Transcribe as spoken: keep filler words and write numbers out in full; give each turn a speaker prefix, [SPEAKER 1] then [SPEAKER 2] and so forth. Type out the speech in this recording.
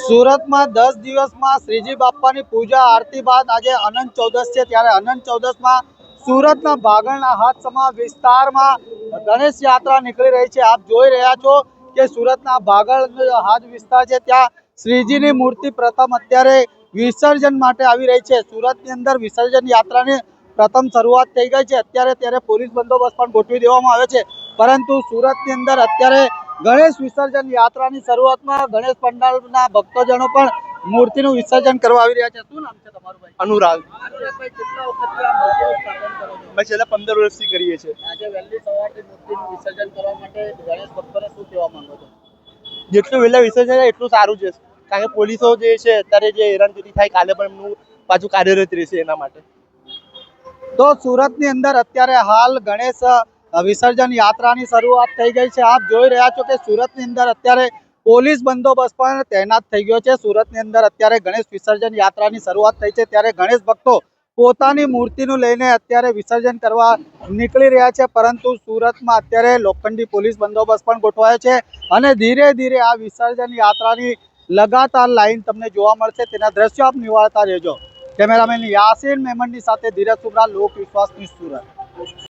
[SPEAKER 1] સુરત में दस दिवस में श्रीजी बापा की पूजा आरती बाद आज अनंत चौदस है त्यारे अनंत चौदस में सूरत भागलना हाथसमा विस्तार में गणेश यात्रा निकली रही है। आप जोई रह्या छो कि सूरत भागल हाथ विस्तार है त्या श्रीजी की मूर्ति प्रथम अत्यारे विसर्जन माटे आवी रही है। सूरत की अंदर विसर्जन यात्रा ने प्रथम शुरुआत थई गई है। अत्यारे त्यारे पोलीस बंदोबस्त पण गोठवी देवामां आव्यो छे, परंतु सूरत की अंदर अत्यारे गणेश विसर्जन यात्रा की शुरुआत में गणेश पंडाल भक्तजनों पर मूर्ति विसर्जन करवा आवी रह्या छे। शुं नाम छे तमारुं भाई?
[SPEAKER 2] अनुराग।
[SPEAKER 1] अनुरागभाई, કેટલા વખતથી આ મૂર્તિનું સ્થાપન કરો છો?
[SPEAKER 2] मैं छेल्ला पंदर वर्षથી કરીએ છીએ।
[SPEAKER 1] આજે વહેલી સવારથી મૂર્તિનું વિસર્જન કરવા માટે ગણેશ ભક્તોને શું કહેવા માંગો છો?
[SPEAKER 2] જેટલું વહેલા વિસર્જન થાય એટલું સારું છે, કારણ કે પોલીસો જે છે અત્યારે જે હેરાનગતિ થાય કાલે પણ એમનું પાછું કાર્યરત રહેશે એના માટે।
[SPEAKER 1] તો સુરતની અંદર અત્યારે હાલ ગણેશ વિસર્જન યાત્રાની શરૂઆત થઈ ગઈ છે। આપ જોઈ રહ્યા છો કે સુરતની અંદર અત્યારે પોલીસ બંદોબસ્ત પણ તૈનાત થઈ ગયો છે। સુરતની અંદર અત્યારે ગણેશ વિસર્જન યાત્રાની શરૂઆત થઈ છે ત્યારે ગણેશ ભક્તો પોતાની મૂર્તિનું લઈને અત્યારે વિસર્જન કરવા નીકળી રહ્યા છે, પરંતુ સુરતમાં અત્યારે લોખંડી પોલીસ બંદોબસ્ત પણ ગોઠવાયો છે અને ધીરે ધીરે આ વિસર્જન યાત્રાની લગાતાર લાઈન તમને જોવા મળશે। તેના દ્રશ્યો આપ નિહાળતા રહેજો। કેમેરામેન યાસીન મેમનની સાથે ધીરજ સુમરા, લોક વિશ્વાસની સુરત।